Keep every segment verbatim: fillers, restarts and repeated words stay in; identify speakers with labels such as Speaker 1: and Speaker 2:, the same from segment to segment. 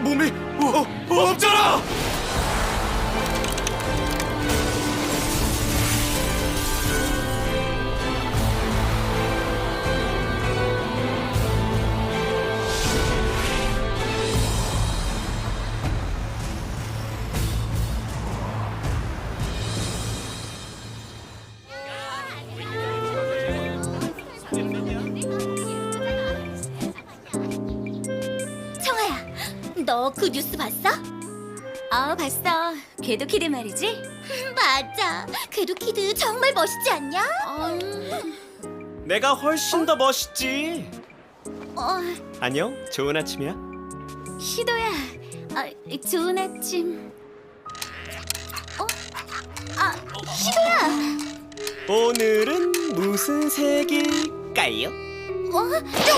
Speaker 1: 몸이 어, 어, 없잖아!
Speaker 2: 청아야, 너 그 뉴스 봤어? 어, 봤어. 궤도키드 말이지? 맞아. 궤도키드 정말 멋있지 않냐? 음...
Speaker 1: 내가 훨씬 더 멋있지.
Speaker 2: 어,
Speaker 1: 안녕, 좋은 아침이야.
Speaker 2: 시도야. 어, 좋은 아침. 어? 아, 시도야.
Speaker 1: 오늘은 무슨 색일까요?
Speaker 2: 어?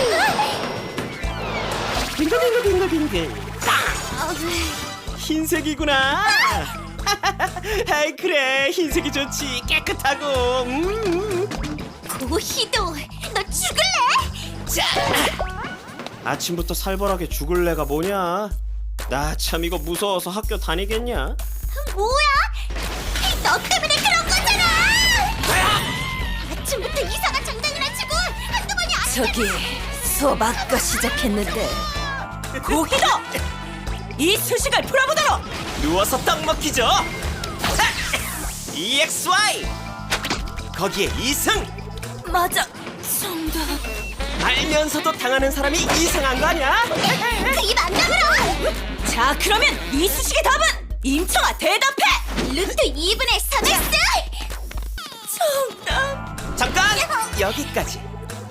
Speaker 1: 빙글빙글빙글빙글.
Speaker 2: 어,
Speaker 1: 흰색이구나. 아이 그래, 흰색이 좋지. 깨끗하고. 음.
Speaker 2: 고희도, 너 죽을래?
Speaker 1: 자, 아침부터 살벌하게 죽을래가 뭐냐? 나 참 이거 무서워서 학교 다니겠냐?
Speaker 2: 뭐야? 너 때문에 그런 거잖아! 아침부터 이상한 장난이나 치고 한두 번이 아니야.
Speaker 3: 저기 수업 아까 시작했는데 고희도 이 수식을 풀어보도록.
Speaker 1: 누워서 떡 먹기죠. 이엑스와이 거기에 이승.
Speaker 3: 맞아, 정답.
Speaker 1: 알면서도 당하는 사람이 이상한 거 아니야?
Speaker 2: 그입 안 다물어!
Speaker 3: 자, 그러면 이 수식의 답은 임청아 대답해.
Speaker 2: 루트 이분의 삼 엑스!
Speaker 3: 정답.
Speaker 1: 잠깐! 여기까지.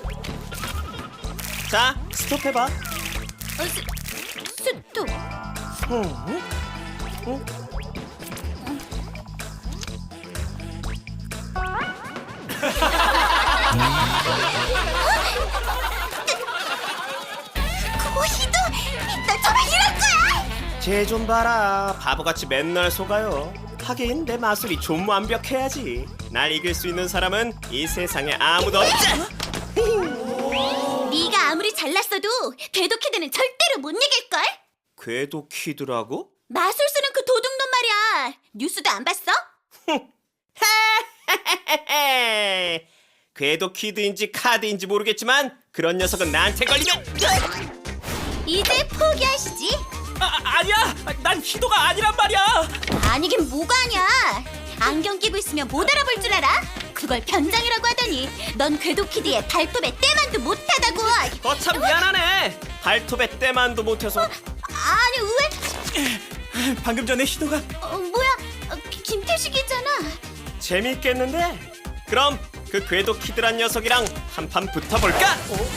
Speaker 1: 자, 스톱해봐.
Speaker 2: 어, 스, 스톱.
Speaker 1: 응? 응?
Speaker 2: 고희도, 너 정말 이럴 거야?
Speaker 1: 쟤 좀 봐라. 바보같이 맨날 속아요. 하긴 내 마술이 좀 완벽해야지. 날 이길 수 있는 사람은 이 세상에 아무도 없지.
Speaker 2: 네가 아무리 잘났어도 궤도키드는 절대로 못 이길걸?
Speaker 1: 궤도 키드라고?
Speaker 2: 마술 쓰는 그 도둑놈 말이야. 뉴스도 안 봤어?
Speaker 1: 궤도 키드인지 카드인지 모르겠지만 그런 녀석은 나한테 걸리면
Speaker 2: 이제 포기하시지?
Speaker 1: 아, 아니야! 난 희도가 아니란 말이야!
Speaker 2: 아니긴 뭐가 아냐. 안경 끼고 있으면 못 알아볼 줄 알아? 그걸 변장이라고 하더니 넌 궤도키드의 발톱에 때만도 못하다고.
Speaker 1: 거참 미안하네. 발톱에 때만도 못해서.
Speaker 2: 아니 왜?
Speaker 1: 방금 전에 희도가
Speaker 2: 어, 뭐야? 어, 기- 김태식이잖아.
Speaker 1: 재밌겠는데? 그럼 그 궤도 키드란 녀석이랑 한판 붙어볼까?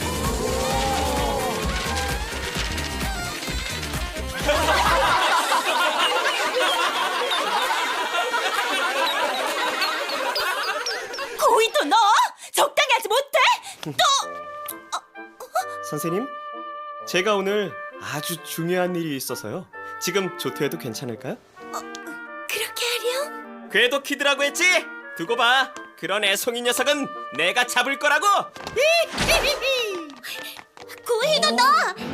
Speaker 3: 고희도 너 적당히 하지 못해? 또
Speaker 1: 선생님, 제가 오늘 아주 중요한 일이 있어서요. 지금 조퇴해도 괜찮을까요?
Speaker 2: 그렇게 하렴?
Speaker 1: 궤도 키드라고 했지? 두고 봐. 그런 애송이 녀석은 내가 잡을 거라고.
Speaker 2: 고희도 너.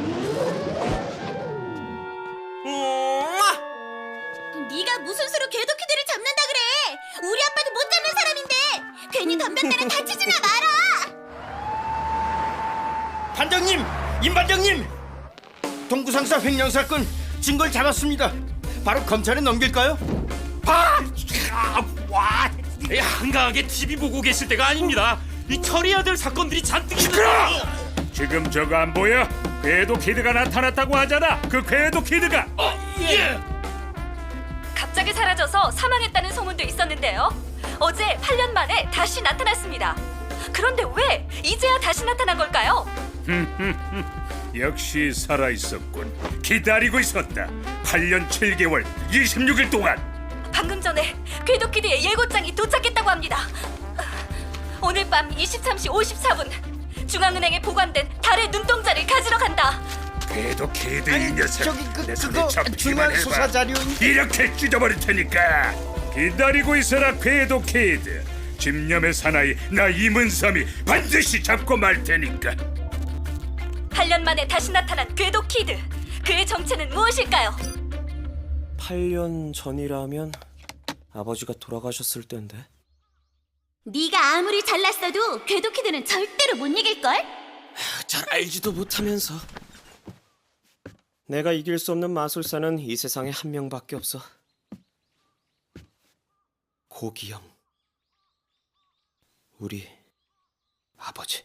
Speaker 1: 음아!
Speaker 2: 네가 무슨 수로 궤도키드를 잡는다 그래? 우리 아빠도 못 잡는 사람인데 괜히 덤볐다는 다치지나 마라.
Speaker 4: 반장님! 임반장님! 동구상사 횡령 사건 증거를 잡았습니다. 바로 검찰에 넘길까요?
Speaker 5: 아, 와, 한가하게 티비 보고 계실 때가 아닙니다. 이 처리해야 될 사건들이 잔뜩
Speaker 6: 시끄러! 지금 저거 안 보여? 궤도 키드가 나타났다고 하잖아. 그 궤도 키드가.
Speaker 5: 어, 예.
Speaker 3: 갑자기 사라져서 사망했다는 소문도 있었는데요. 어제 팔 년 만에 다시 나타났습니다. 그런데 왜 이제야 다시 나타난 걸까요?
Speaker 6: 역시 살아있었군. 기다리고 있었다. 팔 년 칠 개월 이십육 일 동안.
Speaker 3: 방금 전에 궤도키드의 예고장이 도착했다고 합니다. 오늘 밤 이십삼 시 오십사 분 중앙은행에 보관된 달의 눈동자를 가지러 간다.
Speaker 6: 궤도 키드 이 녀석.
Speaker 4: 저기 그,
Speaker 6: 내 손에
Speaker 4: 그거
Speaker 6: 잡히기만
Speaker 4: 중요한
Speaker 6: 해봐.
Speaker 4: 수사 자료인데.
Speaker 6: 이렇게 찢어버릴 테니까 기다리고 있어라. 궤도 키드. 집념의 사나이 나 이문삼이 반드시 잡고 말 테니까.
Speaker 3: 팔 년 만에 다시 나타난 궤도키드. 그의 정체는 무엇일까요?
Speaker 1: 팔 년 전이라면 아버지가 돌아가셨을 텐데.
Speaker 2: 네가 아무리 잘났어도 궤도키드는 절대로 못 이길걸?
Speaker 1: 잘 알지도 못하면서. 내가 이길 수 없는 마술사는 이 세상에 한 명밖에 없어. 고기영. 우리 아버지.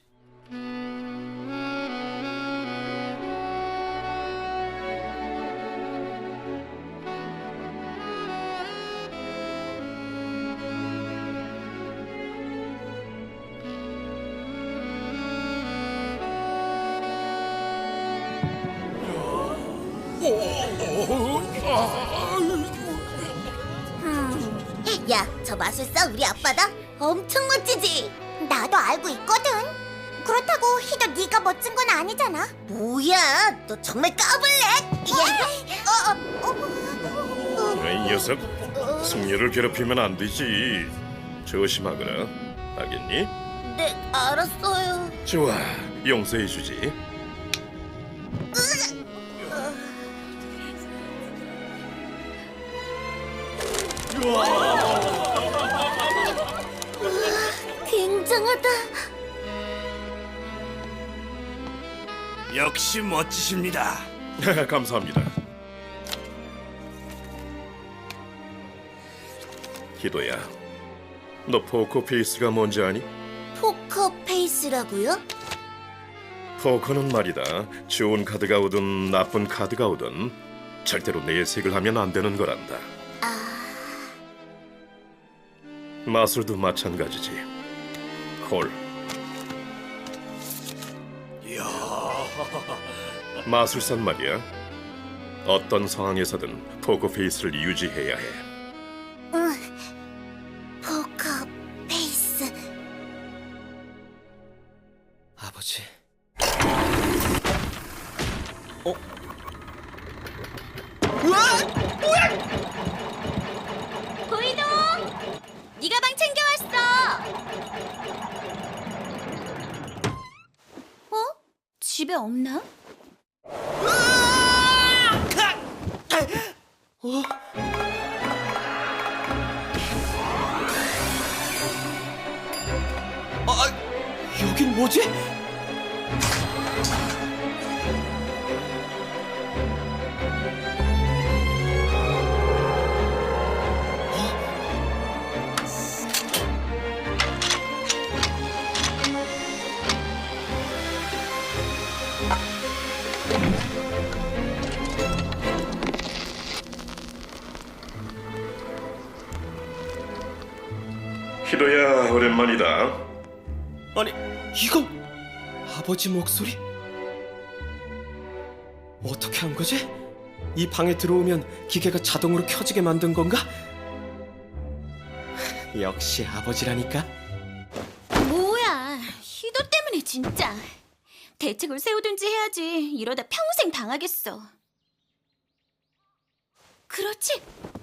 Speaker 2: 야, 저 마술사 우리 아빠다? 엄청 멋지지? 나도 알고 있거든. 그렇다고 희도 네가 멋진 건 아니잖아. 뭐야, 너 정말 까불래? 어, 어, 어,
Speaker 7: 이 녀석, 승려를 괴롭히면 안 되지. 조심하거라. 알겠니?
Speaker 2: 네, 알았어요.
Speaker 7: 좋아, 용서해주지.
Speaker 2: 굉장하다.
Speaker 4: 역시 멋지십니다.
Speaker 7: 감사합니다. 희도야, 너 포커페이스가 뭔지 아니?
Speaker 2: 포커 페이스라고요?
Speaker 7: 포커는 말이다. 좋은 카드가 오든 나쁜 카드가 오든 절대로 내색을 하면 안 되는 거란다. 마술도 마찬가지지. 콜. 마술사는 말이야. 어떤 상황에서든 포커페이스를 유지해야 해.
Speaker 2: 포커 페이스.
Speaker 1: 아버지. 어?
Speaker 2: 보이동! 네 가방 챙겨왔어. 어? 집에 없나?
Speaker 1: 아, 여긴 뭐지?
Speaker 7: 희도야, 오랜만이다.
Speaker 1: 아니, 이건 아버지 목소리? 어떻게 한 거지? 이 방에 들어오면 기계가 자동으로 켜지게 만든 건가? 역시 아버지라니까.
Speaker 2: 뭐야, 희도 때문에 진짜. 대책을 세우든지 해야지. 이러다 평생 당하겠어. 그렇지.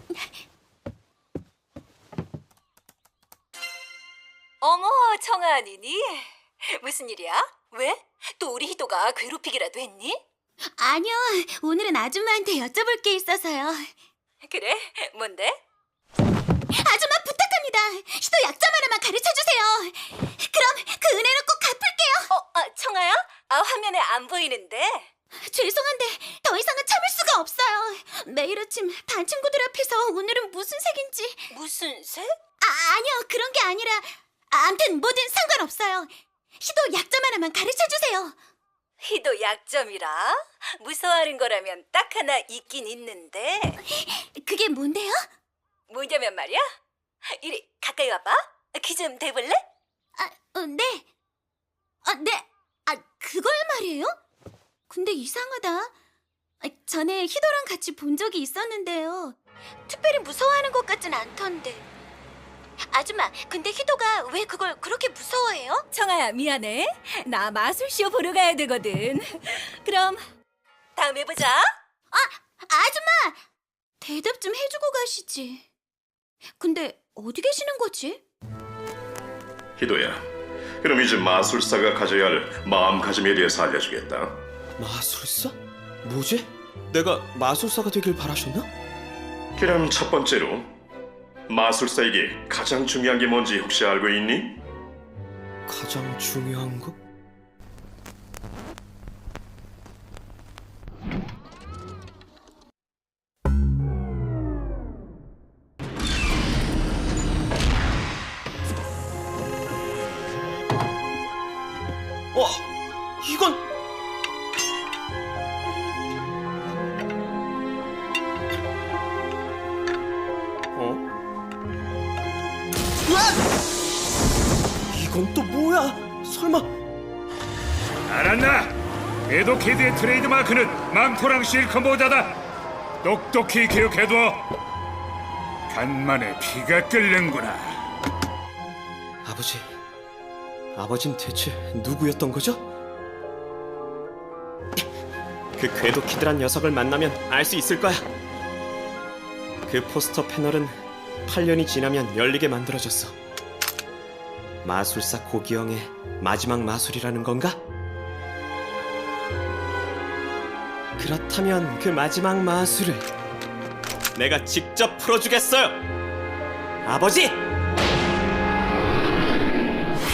Speaker 3: 어머, 청아 아니니? 무슨 일이야? 왜? 또 우리 희도가 괴롭히기라도 했니?
Speaker 2: 아니요, 오늘은 아줌마한테 여쭤볼 게 있어서요.
Speaker 3: 그래? 뭔데?
Speaker 2: 아줌마 부탁합니다. 희도 약점 하나만 가르쳐주세요. 그럼 그 은혜는 꼭 갚을게요.
Speaker 3: 어, 아, 청아야? 아, 화면에 안 보이는데.
Speaker 2: 죄송한데 더 이상은 참을 수가 없어요. 매일 아침 반 친구들 앞에서 오늘은 무슨 색인지.
Speaker 3: 무슨 색?
Speaker 2: 아, 아니요, 그런 게 아니라. 아, 암튼 뭐든 상관없어요. 희도 약점 하나만 가르쳐주세요.
Speaker 3: 희도 약점이라? 무서워하는 거라면 딱 하나 있긴 있는데.
Speaker 2: 그게 뭔데요?
Speaker 3: 뭐냐면 말이야. 이리 가까이 와봐. 귀 좀 대볼래?
Speaker 2: 아, 어, 네. 아, 네. 아, 그걸 말이에요? 근데 이상하다. 아, 전에 희도랑 같이 본 적이 있었는데요. 특별히 무서워하는 것 같진 않던데. 아줌마, 근데 희도가 왜 그걸 그렇게 무서워해요?
Speaker 3: 청아야, 미안해. 나 마술쇼 보러 가야 되거든. 그럼 다음에 보자.
Speaker 2: 아, 아줌마! 대답 좀 해주고 가시지. 근데 어디 계시는 거지?
Speaker 7: 희도야, 그럼 이제 마술사가 가져야 할 마음가짐에 대해서 알려주겠다.
Speaker 1: 마술사? 뭐지? 내가 마술사가 되길 바라셨나?
Speaker 7: 그럼 첫 번째로 마술사에게 가장 중요한 게 뭔지 혹시 알고 있니?
Speaker 1: 가장 중요한 거? 어, 이건 어? 으악! 이건 또 뭐야? 설마
Speaker 6: 알았나? 궤도키드의 트레이드 마크는 망토랑 실크 모자다. 똑똑히 기억해둬. 간만에 피가 끓는구나.
Speaker 1: 아버지, 아버진 대체 누구였던 거죠? 그 궤도키드란 녀석을 만나면 알 수 있을 거야. 그 포스터 패널은 팔 년이 지나면 열리게 만들어졌어. 마술사 고기영의 마지막 마술이라는 건가? 그렇다면 그 마지막 마술을 내가 직접 풀어주겠어요. 아버지!